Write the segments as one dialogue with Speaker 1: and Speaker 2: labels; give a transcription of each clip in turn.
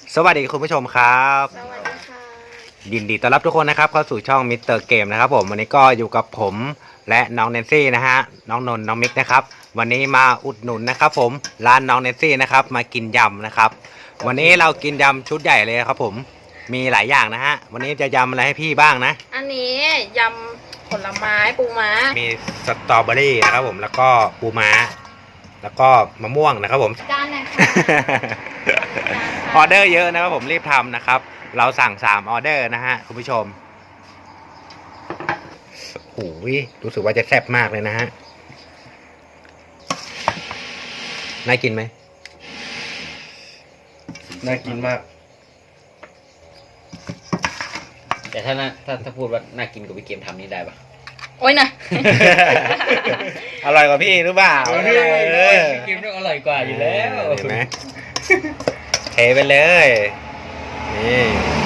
Speaker 1: สวัสดีคุณผู้ชมครับ
Speaker 2: สวัสดีค่ะ
Speaker 1: ยินดีต้อนรับทุกคนนะครับเข้าสู่ช่องมิสเตอร์เกมนะครับผมวันนี้ก็อยู่กับผมและน้องแนนซี่นะฮะน้องนนท์น้องมิกนะครับวันนี้มาอุดหนุนนะครับผมร้านน้องแนนซี่นะครับมากินยำนะครับวันนี้เรากินยำชุดใหญ่เลยครับผมมีหลายอย่างนะฮะวันนี้จะยำอะไรให้พี่บ้างนะ
Speaker 2: อันนี้ยำผลไม้ปูม้า
Speaker 1: มีสตรอเบอรี่นะครับผมแล้วก็ปูม้าแล้วก็มะม่วงนะครับผม
Speaker 2: จานไหนคะ
Speaker 1: ออเดอร์เยอะนะครับผมรีบทำนะครับเราสั่ง3ออเดอร์นะฮะคุณผู้ชมโอ้ยรู้สึกว่าจะแซ่บมากเลยนะฮะน่ากินไหม
Speaker 3: น่ากินมาก
Speaker 4: แต่ถ้าพูดว่าน่ากินกว่าพี่เกมทำนี่ได้ปะ
Speaker 2: โอ้ยนะ
Speaker 1: อร่อยกว่าพี่หรือเปล่า
Speaker 4: พี่เกมต้องอร่อยกว่าอยู่แล้ว
Speaker 1: เห็นไหมเทไปเลยนี่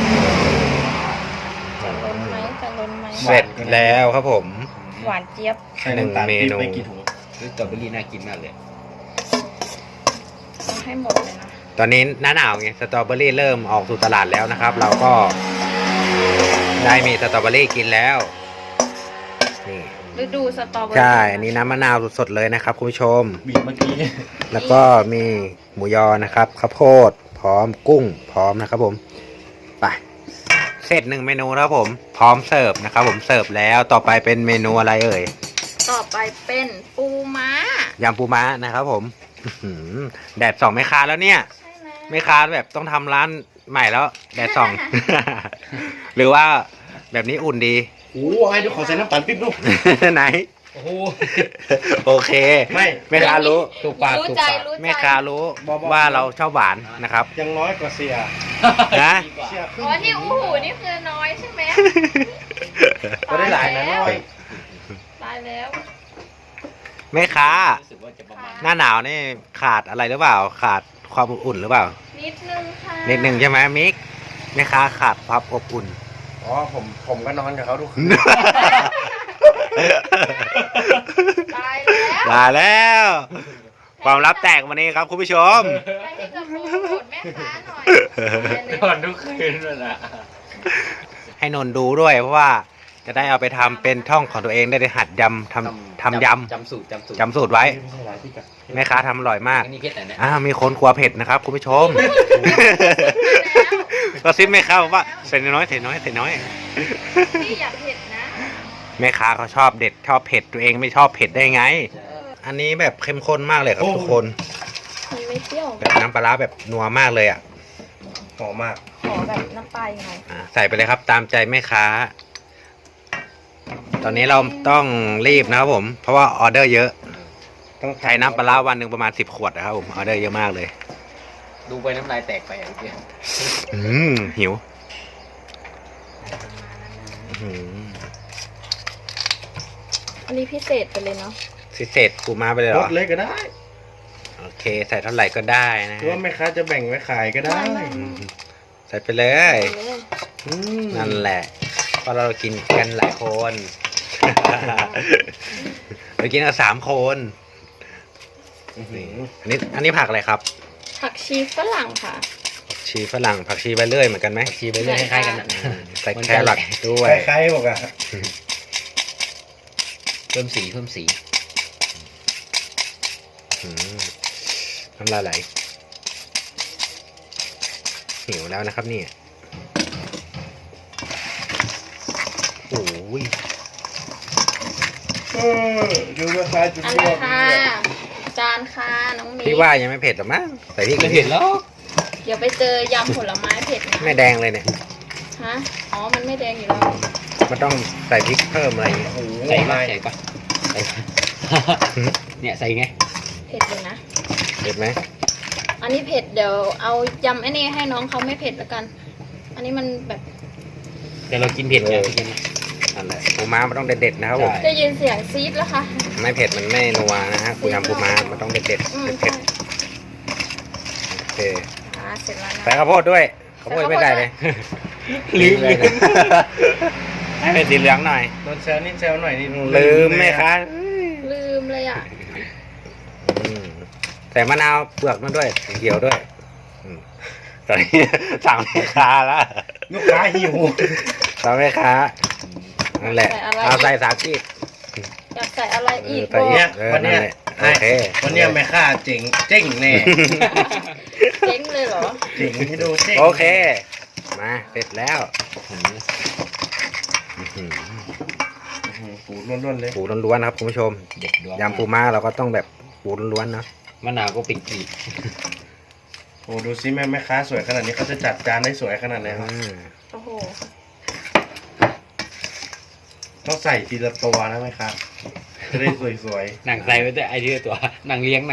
Speaker 2: จะล้นไหมจะล้นไหม
Speaker 1: เสร็จแล้วครับผม
Speaker 2: หวานเจี๊ยบ
Speaker 1: 1 เมนู
Speaker 4: สตรอเบอรี่น่ากินมากเลย
Speaker 2: ต้องให้หมดเลยนะ
Speaker 1: ตอนนี้หน้าหนาวไงสตรอเบอรี่เริ่มออกสู่ตลาดแล้วนะครับเราก็ได้มีสตรอเบอรี่กินแล้วนี่
Speaker 2: ฤดูสตรอเบอรี่
Speaker 1: ใช่อันนี้น้ำมะนาวสดๆเลยนะครับคุณผู้ชม
Speaker 3: บีบเมื่อกี้
Speaker 1: แล้วก็มีหมูยอนะครับข้าวโพดพร้อมกุ้งพร้อมนะครับผมไปเสร็จ1 เมนูแล้วผมพร้อมเสิร์ฟนะครับผมเสิร์ฟแล้วต่อไปเป็นเมนูอะไรเอ่ย
Speaker 2: ต่อไปเป็นปูม้าย
Speaker 1: ำปูม้านะครับผมแดดส่องไม่ค้าแล้วเนี่ยไม่ค้าแบบต้องทำร้านใหม่แล้วแดดส่อง หรือว่าแบบนี้อุ่นดี
Speaker 3: โอ้ให้ดูขอใส่น้ำตาลปิ๊บดู
Speaker 1: ไหน
Speaker 4: โอ้โห
Speaker 1: โอเคไม่ค้ารู้
Speaker 4: ถูกปากถูกปาก
Speaker 1: ไม่ค้ารู้ว่าเราชอบหวานนะครับ
Speaker 3: ยังน้อยกว่าเสีย
Speaker 1: นะ
Speaker 2: อ๋อที่อู้หูนี่คือน้อยใช่ไหม
Speaker 3: ก็ได้หลายนะน้อย
Speaker 2: ตายแล้ว
Speaker 1: ไม่ค้าหน้าหนาวนี่ขาดอะไรหรือเปล่าขาดความอุ่นหรือเปล่า
Speaker 2: นิดนึงค่ะ
Speaker 1: นิดนึงใช่ไหมมิกแม่ค้าขาดความอบอุ่น
Speaker 3: อ๋อผมก็นอนกับเขาทุกคืน
Speaker 2: ตายแล้ว
Speaker 1: ตายแล้วความลับแตกวันนี้ครับคุณผู้ชม
Speaker 2: ให้ที่จะพูดแม่ค้าหน่อย
Speaker 4: นอนทุกคืนเลยนะ
Speaker 1: ให้นนดูด้วยเพราะว่าจะได้เอาไปทำเป็นช่องของตัวเองได้หัดยำทำยำ
Speaker 4: จำสูตร
Speaker 1: ไว้แม่ค้าทำอร่อยมากมีคนกลัวเผ็ดนะครับคุณผู้ชมก็ซิปแม่ค้าบอกว่าใส่น้อยพี่
Speaker 2: อย่าเผ็ดนะ
Speaker 1: แม่ค้าเขาชอบเด็ดชอบเผ็ดตัวเองไม่ชอบเผ็ดได้ไงอันนี้แบบเข้มข้นมากเลยครับทุกคน
Speaker 2: ไม่เปรี้ยว
Speaker 1: แบบน้ำปลาร้าแบบนัวมากเลยอ่ะ
Speaker 3: หอมมาก
Speaker 2: ขอแบบน้ำปลายังไง
Speaker 1: ใส่ไปเลยครับตามใจแม่ค้าตอนนี้เราต้องรีบนะครับผมเพราะว่าออเดอร์เยอะต้องใช้น้ำปลาร้าวันหนึ่งประมาณ10 ขวดนะครับผมออเดอร์เยอะมากเลย
Speaker 4: ดูไปน้ำลายแตกไปอย่างเดียว
Speaker 1: หิว
Speaker 2: อันนี้พิเศษไปเลยเนาะ
Speaker 1: พิเศษปูม้าไปเลยเหรอ
Speaker 3: ลดเลยก็ได้
Speaker 1: โอเคใส่เท่าไหร่ก็ได้นะ
Speaker 3: หรือว่าแม่ค้าจะแบ่งไว้ขายก็ได้
Speaker 1: ใส่ไปเลยนั่นแหละเพราะเรากินกันหลายคนเรากินกัน3 คนอันนี้ผักอะไรครับ
Speaker 2: ผักชีฝรั่งค่ะ
Speaker 1: ผักชีฝรั่งผักชีใบเลื่อยเหมือนกันไหม
Speaker 4: ชีใบเลื่อยคล้ายๆกัน
Speaker 1: ใส่แครอทด้วย
Speaker 3: คล้ายๆบอกอะ
Speaker 4: เพิ่มสี
Speaker 1: น้ำลายไหลหิวแล้วนะครับนี่โอ้ย
Speaker 3: ดูราคาจุดยอด
Speaker 2: ค่ะจานค่ะน้องมี
Speaker 1: พี่ว่ายังไม่เผ็ดหรอมั้งแต่พี่
Speaker 4: ไม่เผ็ดแล้ว
Speaker 2: เดี๋ยวไปเจอยำผลไม้เผ็ดนะ
Speaker 1: ไม่แดงเลยเนี่ย
Speaker 2: ฮะอ๋อมันไม่แดงอยู่แล้ว
Speaker 1: มันต้องใส่พริกเพิ่มอะไรอย่างเงี้ย
Speaker 4: ใส่ปะเนี่ยใส่ไง
Speaker 2: เผ็ดเลยนะ
Speaker 1: เผ็ดไหม
Speaker 2: อันนี้เผ็ดเดี๋ยวเอายำไอ้นี่ให้น้องเขาไม่เผ็ดแล้วกันอันนี้มันแบบ
Speaker 4: แต่เรากินเผ็ดไง
Speaker 1: นั่นแหละปูม้ามันต้องเด็ดๆนะครับผม
Speaker 2: ได้ยินเสียงซีดแล้วค่ะ
Speaker 1: ไม่เผ็ดมันไม่นัวนะฮะยำปูม้ามันต้องเด็ดๆเผ็ดโอเค
Speaker 2: เสร็จแล้วนะ
Speaker 1: ใส่ข้าวโพดด้วยข้าวโพดไม่ได้เลยลืมเลยให้เป็นสีเหลืองหน่อย
Speaker 3: โดนแซวนิดแซวหน่อยนี่
Speaker 1: ลืมไหมคะ
Speaker 2: ลืมเลยอ่ะ
Speaker 1: ใส่มะนาวเปลือกนั่นด้วยเขียวด้วยตอนนี้สั่งแม่ค้าแล้ว
Speaker 3: ลูกค้าหิว
Speaker 1: สั่งแม่ค้านั่นแหละเอาใส่สากี
Speaker 2: อยากใส่อะไรอีก
Speaker 1: ใส่
Speaker 2: บอ
Speaker 1: อี
Speaker 2: ก
Speaker 1: ก
Speaker 3: วันเนี้ย
Speaker 1: โอเค
Speaker 3: วันเนี้ยแม่ค้าเจ๋งแน่
Speaker 2: เจ๊งเลยเหรอ
Speaker 3: เจ๋งให้ดูเจ๋ง
Speaker 1: โอเค มาเสร็จแล้วอื้อหือ
Speaker 3: ปูล้วนๆเลย
Speaker 1: ปูล้วนๆนะครับคุณผู้ชม
Speaker 4: เด็ดดวง
Speaker 1: ยำปูม้าเราก็ต้องแบบปูล้วนๆนะ
Speaker 4: มะนาวก็เป็นกลีบ
Speaker 3: โอ้ดูซิแม่ค้าสวยขนาดนี้เขาจะจัดจานได้สวยขนาดไหนครับ
Speaker 2: โอ้โห
Speaker 3: ต้องใส่ทีละตัวนะแม่ค้าจะได้สวย
Speaker 4: หนังใส่ไว้แต่ไอเดียตัวหนังเลี้ยง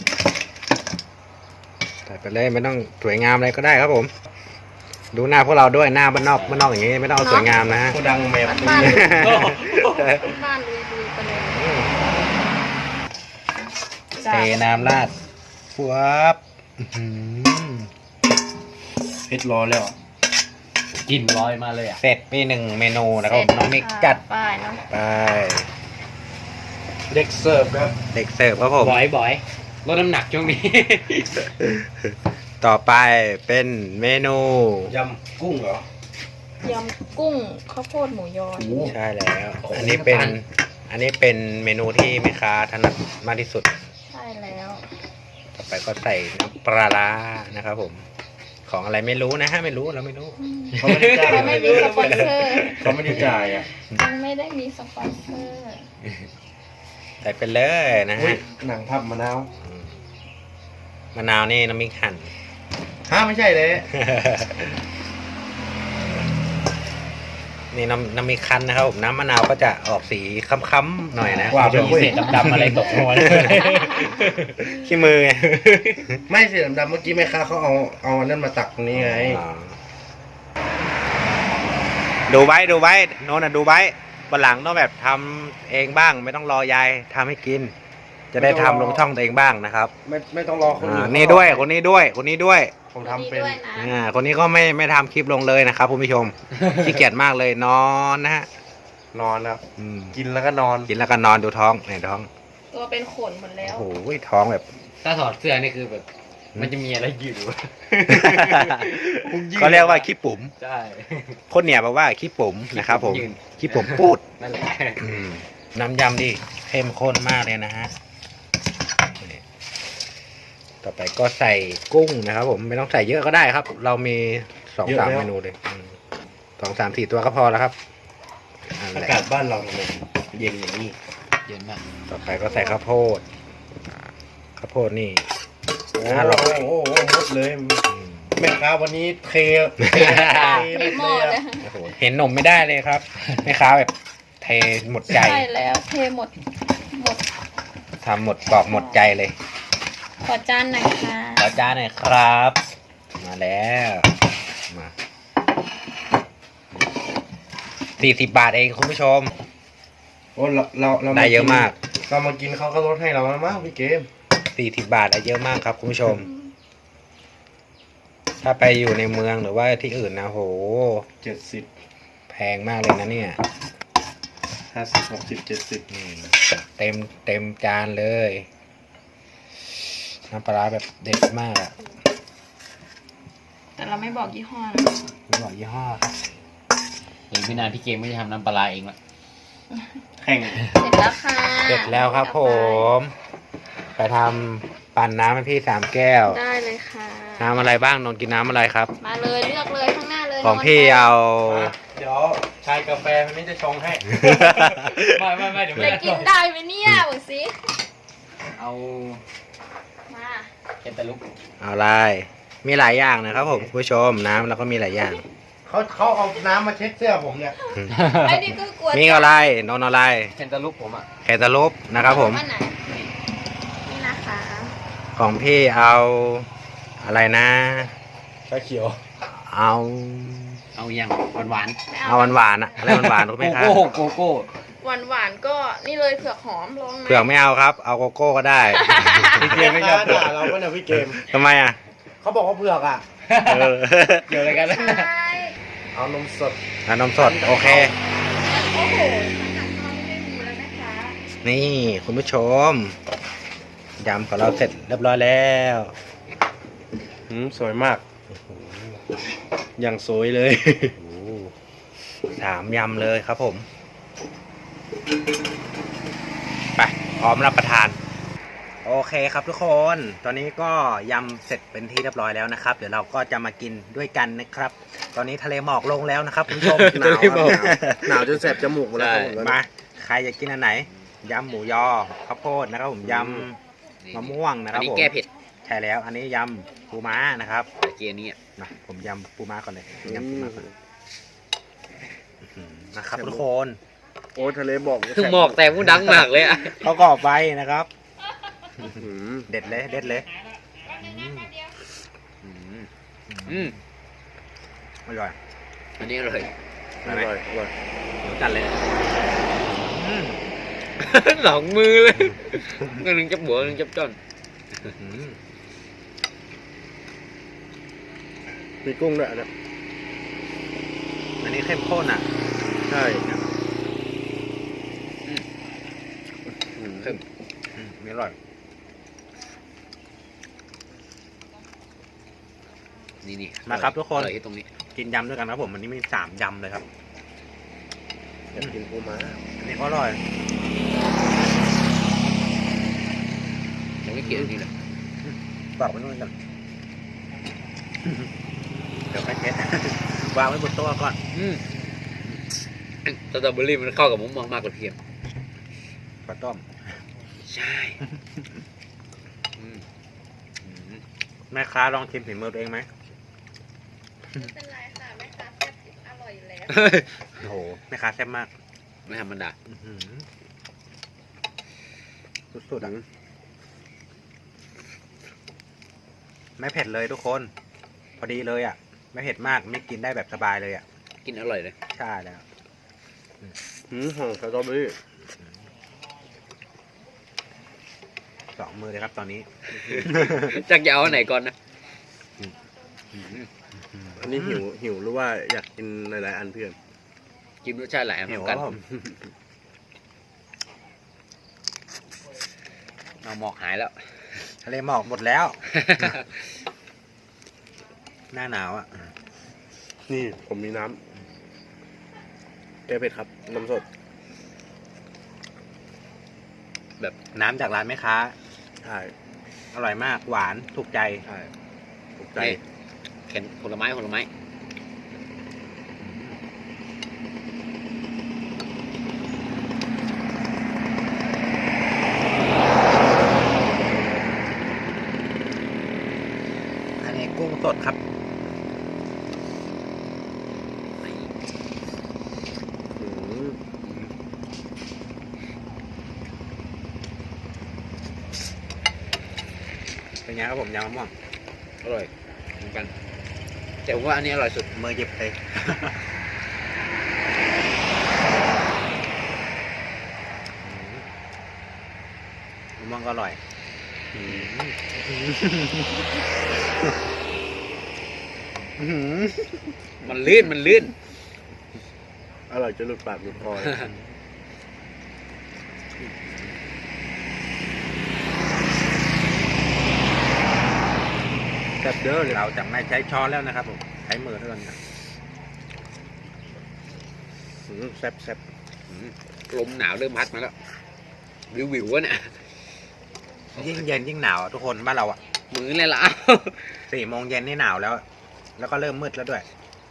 Speaker 1: ใส่ไปเลยไม่ต้องสวยงามอะไรก็ได้ครับผม ดูหน้าพวกเราด้วยหน้าบ้านนอกอย่างนี้ไม่ต้องเอาสวยงามนะฮะ
Speaker 3: ๆโคดังแมว
Speaker 2: บ้าน
Speaker 3: เลย
Speaker 2: บ้านลุยๆไปเลย
Speaker 1: เทน้ำราดฟัวบอื้อหือ
Speaker 3: เพชรรอแล้ว
Speaker 4: กลิ่นลอยมาเลยอ่ะ
Speaker 1: เสร็จไปหนึ่งเมนูนะครับผมน้องมิกจัด
Speaker 2: ไปเนาะ
Speaker 1: ไป
Speaker 3: เด็กเสิร์ฟครับ
Speaker 1: เด็กเสิร์ฟครับผม
Speaker 4: บ่อยลดน้ำหนักช่วงนี้
Speaker 1: ต่อไปเป็นเมนู
Speaker 3: ยำกุ้งเหรอย
Speaker 2: ำกุ้งข้าวโพดหมูยอ
Speaker 3: โอ้
Speaker 1: ใช่แล้ว อันนี้เป็นเมนูที่แม่ค้าถนัดมากที่สุด
Speaker 2: ใช่แล้ว
Speaker 1: ต่อไปก็ใส่น้ำปลาร้านะครับผม ของอะไรไม่รู้นะฮะไม่รู้เราไม่รู้
Speaker 3: เขาไม่ได้จ่าย
Speaker 2: ยังไม่มีสปอนเซอร์
Speaker 3: เขาไม่ได้จ่ายอ่ะ
Speaker 2: ยังไม่ได้มีสปอนเซอร์
Speaker 1: ใส่ไปเลยนะ
Speaker 3: อุ้
Speaker 1: ฮะ
Speaker 3: ยหนังพับมะนาว
Speaker 1: มะนาวนี่น้ำมิกหั่น
Speaker 3: ฮะไม่ใช่เลย
Speaker 1: นี่น้ำมิกคั้นนะครับผมน้ำมะนาวก็จะออกสีค้ำๆหน่อยนะ
Speaker 3: ว่า
Speaker 1: คุณผู้ชม
Speaker 4: มีเศษดำๆอะไรตกลงมา
Speaker 1: ขี้มือไง
Speaker 3: ไม่สีดำๆเมื่อกี้แม่ค้าเขาเอาอันนั้นมาตักตรงนี้ไง
Speaker 1: อ๋อดูไว้โน้นน่ะดูไว้วันหลังต้องแบบทำเองบ้างไม่ต้องรอยายทำให้กิน จะได้ทำลงช่องตัวเองบ้างนะครับ
Speaker 3: ไม่ต้องรอคนอื่น
Speaker 1: นี่ด้วยคนนี้ด้วย
Speaker 3: ผมทำเป็น
Speaker 2: ด้วยนะ
Speaker 1: คนนี้ก็ไม่ทำคลิปลงเลยนะครับคุณผู้ชม ขี้เกียจมากเลยนอนนะฮะ
Speaker 3: นอนครับ
Speaker 1: อืม
Speaker 3: กินแล้วก็นอน
Speaker 1: กินแล้วก็นอนดูท้องในท้อง
Speaker 2: ตัวเป็นขนหมดแล้ว
Speaker 1: โอ้โหท้องแบบ
Speaker 4: ถ้าถอดเสื้อนี่คือแบบ มันจะมีอะไรยืดอยู่
Speaker 1: เขาเรียกว่าขี้ปุ๋ม
Speaker 4: ใช่
Speaker 1: คนเนี่ยบอกว่าขี้ปุ๋มนะครับผม
Speaker 4: ยืน
Speaker 1: ขี้ปุ๋มพูด
Speaker 4: นั่นแหละ
Speaker 1: น้ำยำดิเข้มข้นมากเลยนะฮะนี่ต่อไปก็ใส่กุ้งนะครับผมไม่ต้องใส่เยอะก็ได้ครับ เรามี2-3เมนูเลย2-3-4 ตัวก็พอแล้วครับนั่น
Speaker 3: อา
Speaker 1: แหละ
Speaker 3: กาศบ้านเราเนี่ยเย็นอย่างนี้
Speaker 4: เย็นมาก
Speaker 1: ต่อไปก็ใส่ข้าวโพดนี่
Speaker 3: โอ้
Speaker 1: อร่อย
Speaker 3: โหหมดเลยแม่ค้าวันนี้เท
Speaker 2: เทหม้อเลย
Speaker 1: โอ้โหเห็นนมไม่ได้เลยครับแม่ค้าแบบเทหมดใจ
Speaker 2: ใช่แล้วเทหมด
Speaker 1: ทำหมดกรอบหมดใจเลย
Speaker 2: ขอจานหน่อยค่ะ
Speaker 1: ขอจานหน่อยครับ มาแล้วมา40 บาทเองคุณผู้ชม
Speaker 3: โอ้เรา
Speaker 1: ได้เยอะมาก
Speaker 3: เรามากินเขาก็ลดให้เราแล้วมั้งพี่เกม
Speaker 1: 40 บาทได้เยอะมากครับคุณผู้ชม ถ้าไปอยู่ในเมืองหรือว่าที่อื่นนะโห
Speaker 3: 70
Speaker 1: แพงมากเลยนะเนี่ย
Speaker 3: 50 60 70
Speaker 1: นี่เต็มจานเลย น้ำปลาร้าแบบเด็ดมากอะ
Speaker 2: แต่เราไม่บอกยี่ห้อนะ
Speaker 1: ไม่บอกยี่ห้อครับ
Speaker 4: หรือพี่นานพี่เกมไม่ได้ทำน้ำปลาร้าเองละ
Speaker 3: แข่ง
Speaker 2: เสร็จแล้วค่ะ
Speaker 1: เสร็จแล้วครับผม ไปทำปั่นน้ำให้พี่3 แก้ว
Speaker 2: ได้เลยค่ะ
Speaker 1: น้ำอะไรบ้างนนท์กินน้ำอะไรครับ
Speaker 2: มาเลยเลือกเลยข้างหน้าเลย
Speaker 1: ของพี่เอา
Speaker 3: เดี๋ยวชายกาแฟคนนี้จะชงให้
Speaker 4: ไม่เดี๋ยว
Speaker 2: จะ
Speaker 4: ไม่
Speaker 2: กินได้ไหมเนี่ยบอกสิ
Speaker 4: เอา
Speaker 2: มา
Speaker 4: เคนตาลุก
Speaker 1: เอาอะไร มีหลายอย่างนะครับผมคุณผู้ชมน้ำเราก็มีหลายอย่าง
Speaker 3: เขาเอาน้ำมาเช็ดเสื้อผมเนี่ย
Speaker 2: ไอ้นี่ก็กลัว
Speaker 1: มีอะไรนนท์อะไร
Speaker 4: เคนตาลุกผมอ่ะ
Speaker 1: แคตาลูปนะครับผม
Speaker 2: อันไหนนี่นะคะ
Speaker 1: ของพี่เอาอะไรนะ
Speaker 3: ชาเขียว
Speaker 1: เอา
Speaker 4: เอาอย่างหวาน
Speaker 2: ไม่
Speaker 1: เอาหวานๆอะอะไรหวานๆรู้
Speaker 4: ๆ
Speaker 1: ไหม
Speaker 4: โก
Speaker 1: ครับ
Speaker 4: โก้โกโก้
Speaker 2: หวานหวานๆก็นี่เลยเผือกหอมลองไหม
Speaker 1: เผือกไม่เอาครับ เอาโกโก้ก็ได้
Speaker 3: พี่เกมไม่ยอมด่าเราก็เนี่ยพี่เกม
Speaker 1: ทำไมอ่ะ
Speaker 3: เขาบอกว่าเผือกอ่ะ
Speaker 1: เออ
Speaker 4: เกี่ยวอะไรกันนะ
Speaker 2: ใช่
Speaker 3: เอานมสด
Speaker 1: เอานมสดโอเค
Speaker 2: โอ้โหขนาดข้าวไม่ได้ดูแล้วนะคะ
Speaker 1: นี่คุณผู้ชมยำของเราเสร็จเรียบร้อยแล้ว
Speaker 3: สวยมาก
Speaker 1: โอ้โห
Speaker 3: อย่างสวยเลย
Speaker 1: โอ้สามยำเลยครับผม ไปพร้อมรับประทาน โอเคครับทุกคน ตอนนี้ก็ยำเสร็จเป็นที่เรียบร้อยแล้วนะครับ เดี๋ยวเราก็จะมากินด้วยกันนะครับ ตอนนี้ทะเลหมอกลงแล้วนะครับคุณผู้ชม
Speaker 3: หนาวครับหนาวจนแสบจมูกหมดแล้วครับผม
Speaker 1: มาใครอยากกินอันไหนยำหมูยอข้าวโพดนะครับผมยำมะม่วงนะค
Speaker 4: อั
Speaker 1: รั
Speaker 4: น
Speaker 1: บ
Speaker 4: นี้
Speaker 1: ผม
Speaker 4: แก้เผ็ด
Speaker 1: ใช่แล้วอันนี้ยำปูม้านะครับ
Speaker 4: ตะเกียบนี้
Speaker 1: มาผมยำปูม้าก่อนเลยยำปูม้าก่อนนะครับทุกคน
Speaker 3: โอ้ทะเลบอก
Speaker 4: หมอกแต่ผู้ดังมากเลยอ่ะ
Speaker 1: เขาก่อไฟนะครับ
Speaker 3: อืม
Speaker 1: เด็ดเลยเด็ดเลย อร่อย
Speaker 4: อันนี้อร่อย
Speaker 3: อร่อยอร่อย
Speaker 1: เดี๋ยวจัดเลยอืม
Speaker 4: หลองมือเลยก็นึงจับบัวนึงจับจ้อน
Speaker 1: อืม
Speaker 3: มีกุ้งด้วยนะ
Speaker 1: อันนี้เข้มข้นอ่ะ
Speaker 3: ใช่
Speaker 4: เพิ่ม
Speaker 1: มีอร่อย
Speaker 4: นี่
Speaker 1: มาครับทุกคน
Speaker 4: อร่อยที่ตรงนี้
Speaker 1: กินยำด้วยกันครับผมวันนี้มี3 ยำเลยครับ
Speaker 3: อยากกินปูม้า
Speaker 1: อันนี้ก็อร่อย
Speaker 4: ยังไม่เกี่ยวนี่เลย
Speaker 1: ฝากไว้ด้วยกันเดี๋ยวไปเทส วางไว้บนโต๊ะก่อน
Speaker 4: สตรอเบอรี่มันเข้ากับมะม่วงมากกว่าเทียม
Speaker 1: ปลาต้ม
Speaker 4: ใช่
Speaker 1: แม่ค้าลองชิมฝีมือตัวเองไหม
Speaker 2: ไม่เป็นไรค่ะแม่ค้าแซ่บอร่อยอยู่แล้ว
Speaker 1: โอ้โหแม่ค้าแซ่บมาก
Speaker 4: ไม่ธรรมดา
Speaker 1: อื้อหือสุดๆอ่ะไม่เผ็ดเลยทุกคน พอดีเลยอ่ะ ไม่เผ็ดมากไม่กินได้แบบสบายเลยอ่ะ
Speaker 4: กินอร่อยเลย
Speaker 1: ใช่แล้ว
Speaker 3: หอมสตรอเบอรี่
Speaker 1: 2 มือเลยครับตอนนี้
Speaker 4: จักจะเอาอันไหนก่อนนะ
Speaker 3: อันนี้หิวหรือว่าอยากกินหลายๆอันเพื่อน
Speaker 4: กินรสชาติหลายอัน
Speaker 1: เหนียว
Speaker 4: เหมือนกัน
Speaker 1: ครับผม
Speaker 4: เอาหมอกหายแล้ว
Speaker 1: ทะเลหมอกหมดแล้ว หน้าหนาวอ่ะ
Speaker 3: นี่ผมมีน้ำแก้เผ็ดครับน้ำสด
Speaker 1: แบบน้ำจากร้านแม่ค้า
Speaker 3: ใช่
Speaker 1: อร่อยมากหวานถูกใจ
Speaker 3: ใช่ถูกใจ
Speaker 4: นี่เข็นผลไม้
Speaker 1: อันนี้กุ้งสดครับ
Speaker 3: อืม
Speaker 1: เป็นไงครับผมยำมะม่วง
Speaker 4: อร่อยเหมือนกัน แต่ผมว่าอันนี้อร่อยสุด
Speaker 1: มือหยิบเลย มะม่วงก็อร่อย
Speaker 4: มันลื่น
Speaker 3: อร่อยจนหลุดปากหลุดคอเลย
Speaker 1: แบบเด้อเราจะไม่ใช้ช้อนแล้วนะครับผมใช้มือเท่านั้นครับ
Speaker 3: แซ่บแซ่บ
Speaker 4: ลมหนาวเริ่มพัดมาแล้ว วิววะเนี่ย
Speaker 1: ยิ่งเย็นยิ่งหนาวอะทุกคนบ้านเราอ่ะ
Speaker 4: มือเลยล่ะ
Speaker 1: 4 โมงเย็นนี่หนาวแล้ว แล้วก็เริ่มมืดแล้วด้วย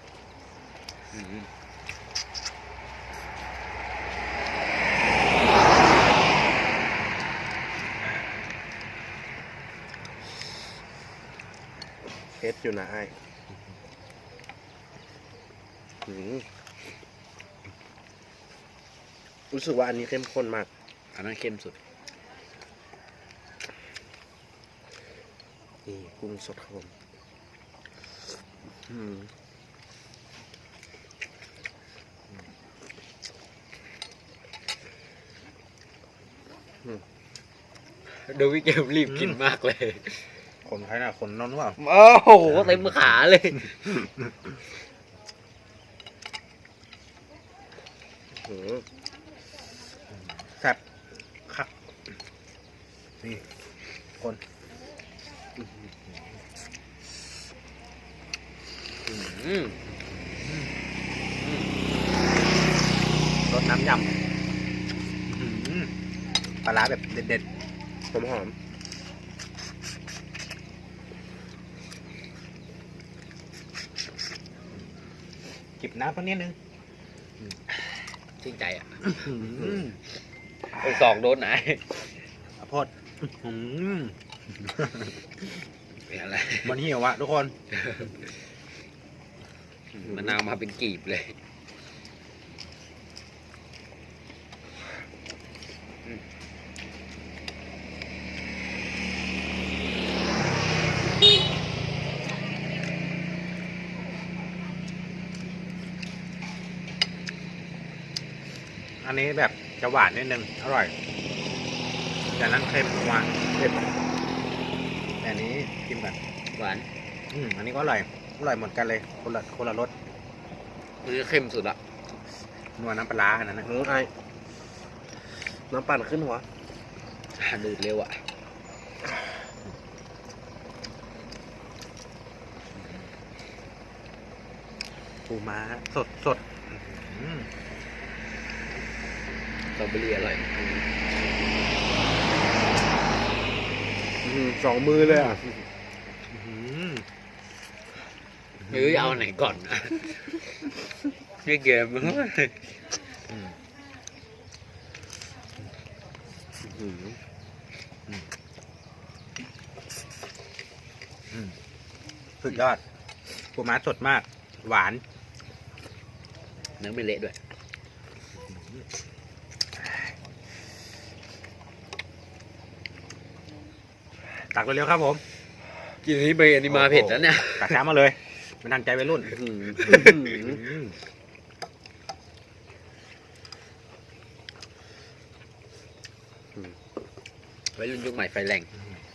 Speaker 3: เผ็ดอยู่นะไอ้รู้สึกว่าอันนี้เข้มข้นมาก
Speaker 4: อันนั้นเข้มสุด
Speaker 3: นี่กุ้งสดครับผมอืม
Speaker 4: ดูวิเกมรีบกินมากเลย
Speaker 1: คนใครน่ะคนนนท์ว่า
Speaker 4: โอ้โหเต็มขาเลย
Speaker 1: แซ่บคักนี่คน
Speaker 4: อืม
Speaker 1: รสน้ำยำปลาร้าแบบเด็ด
Speaker 3: หอม
Speaker 1: ๆจิบน้ำสักนิดนึง
Speaker 4: ชื่นใจอ่ะ
Speaker 1: อืม
Speaker 4: สองโดนไหน
Speaker 1: ข้าวโพดอืม
Speaker 4: เป็นอะไร
Speaker 1: มันหิวอะทุกคน
Speaker 4: มะนาวมาเป็นกีบเลย
Speaker 1: อันนี้แบบจะหวานนิดนึงอร่อยจากนั้นเค็มหวานเผ็ดแต่อันนี้กินแบบ
Speaker 4: หวาน
Speaker 1: อันนี้ก็อร่อยเหมือนกันเลยคนละรส
Speaker 4: มันจะเข้มสุดละ
Speaker 1: นัวน้ำปลาร้าอันนั้นนะ
Speaker 3: ไอ้น้ำปั่นขึ้นหัว
Speaker 4: ดูดเร็วอ่ะ
Speaker 1: ปูม้าสดอืม
Speaker 4: สตรอเบอรี่อร่อย
Speaker 3: สองมือเลยอ่ะ
Speaker 1: อืม
Speaker 4: เฮ้ยเอาไหนก่อนนะนี่เกมมึง
Speaker 1: สุดยอดปูม้าสดมาก หวาน
Speaker 4: เนื้อไม่เละด้วย
Speaker 1: ตักเร็วๆครับผม
Speaker 4: กินนี้ไปอันนี้มาเผ็ดแล้วเนี่ย
Speaker 1: ตักช้ามาเลยมันทันใจวัยรุ่น
Speaker 4: ไว้รุ่นยุคใหม่ไฟแรง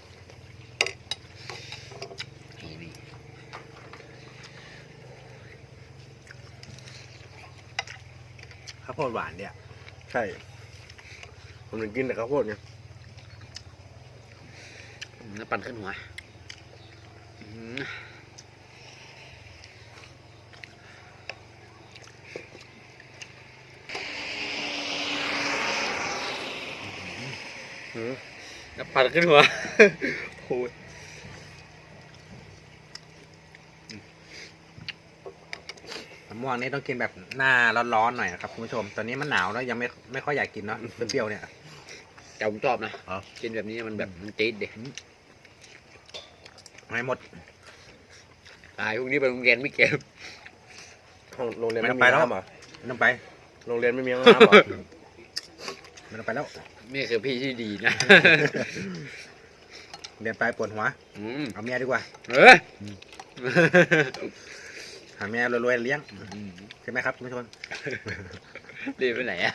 Speaker 4: นี่
Speaker 1: ข้าวโพดหวานเนี่ย
Speaker 3: ใช่ ผมถึงกินแต่ข้าวโพดไง
Speaker 4: น้ำปั่นขึ้นหัวน้ำปั่นขึ้นหัวโอ้ย
Speaker 1: มะม่วงนี่ต้องกินแบบหน้าร้อนๆหน่อยนะครับคุณผู้ชม ตอนนี้มันหนาวแล้วยังไม่ค่อยอยากกินเนาะเปรี้ยวๆเนี่ย
Speaker 4: แต่ผมชอบนะ
Speaker 1: อ๋อ
Speaker 4: กินแบบนี้มันแบบมันจี๊ดเด็ก
Speaker 1: ให้หมด
Speaker 4: ตายพวกนี้ไปโรงเรียนไม่เก็บ
Speaker 3: โรงเรียน
Speaker 1: ไม่
Speaker 3: ไม่
Speaker 1: ต้องไปแล้ว
Speaker 3: มีน้ำเหรอ
Speaker 1: ไม่ต้องไป
Speaker 3: โรงเรียนไม่มีน้ำเหรอ
Speaker 1: ไม่ต้องไปแล้ว
Speaker 4: นี่คือพี่ที่ดีนะ
Speaker 1: เรียนไปปวดหัวเอาเมียดีกว่า
Speaker 4: เออ
Speaker 1: หาเมียรวยๆเลี้ยงใช่ไหมครับคุณผู้ชม
Speaker 4: รีบไปไหนอ่ะ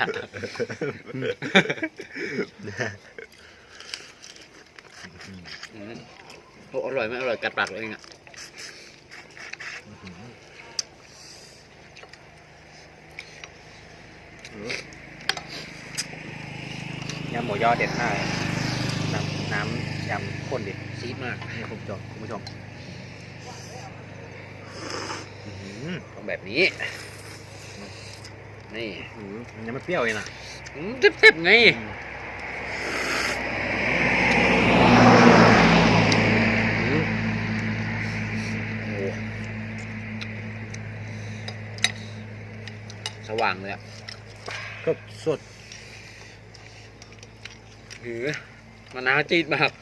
Speaker 4: โอ้อร่อยไหมอร่อยกัดปากเลยอ่ะ
Speaker 1: ยำหมูยอเด็ดมากเลยน้ำยำข้นดิ
Speaker 4: ซีดมาก
Speaker 1: นี่คุณผู้ชม
Speaker 4: ต้องแบบนี้ นี่
Speaker 1: มันยังไม่เปรี้ยวเลยนะ
Speaker 4: เต็บๆไงโอ้สว่างเลยอ่ะ
Speaker 1: สด
Speaker 4: หือมะนาวจี๊ดมาก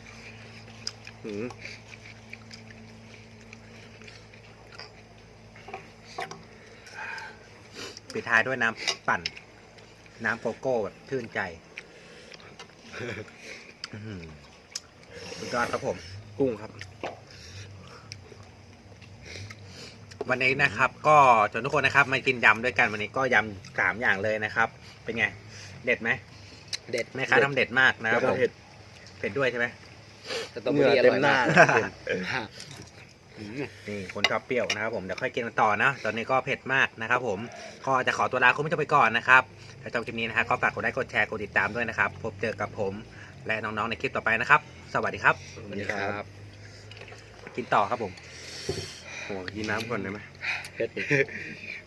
Speaker 1: ปิดท้ายด้วยน้ำปั่น น้ำโกโก้แบบชื่นใจสุดยอดครับผม
Speaker 3: กุ้งครับ
Speaker 1: วันนี้นะครับ ก็ชวนทุกคนนะครับมากินยำด้วยกันวันนี้ก็ยำ3อย่างเลยนะครับ เป็นไง เด็ดไหม
Speaker 4: เด็ด
Speaker 1: แม่ค้าทำเด็ดมากนะครับผม
Speaker 3: เผ็ด
Speaker 1: เผ็ดด้วยใช่ไหม
Speaker 4: สตรอเบอรี่อร่อยมาก
Speaker 1: นี่คนชอบเปรี้ยวนะครับผมเดี๋ยวค่อยกินกันต่อนะตอนนี้ก็เผ็ดมากนะครับผมก็จะขอตัวลาคุณผู้ชมไปก่อนนะครับถ้าชอบคลิปนี้นะครับก็ฝากกดไลค์กดแชร์กดติดตามด้วยนะครับพบเจอกับผมและน้องๆในคลิปต่อไปนะครับ สวัสดีครับ
Speaker 4: สวัสดีครับ
Speaker 1: กินต่อครับผม
Speaker 3: ผมขอกินน้ำก่อนได้ไหม
Speaker 4: เผ็ด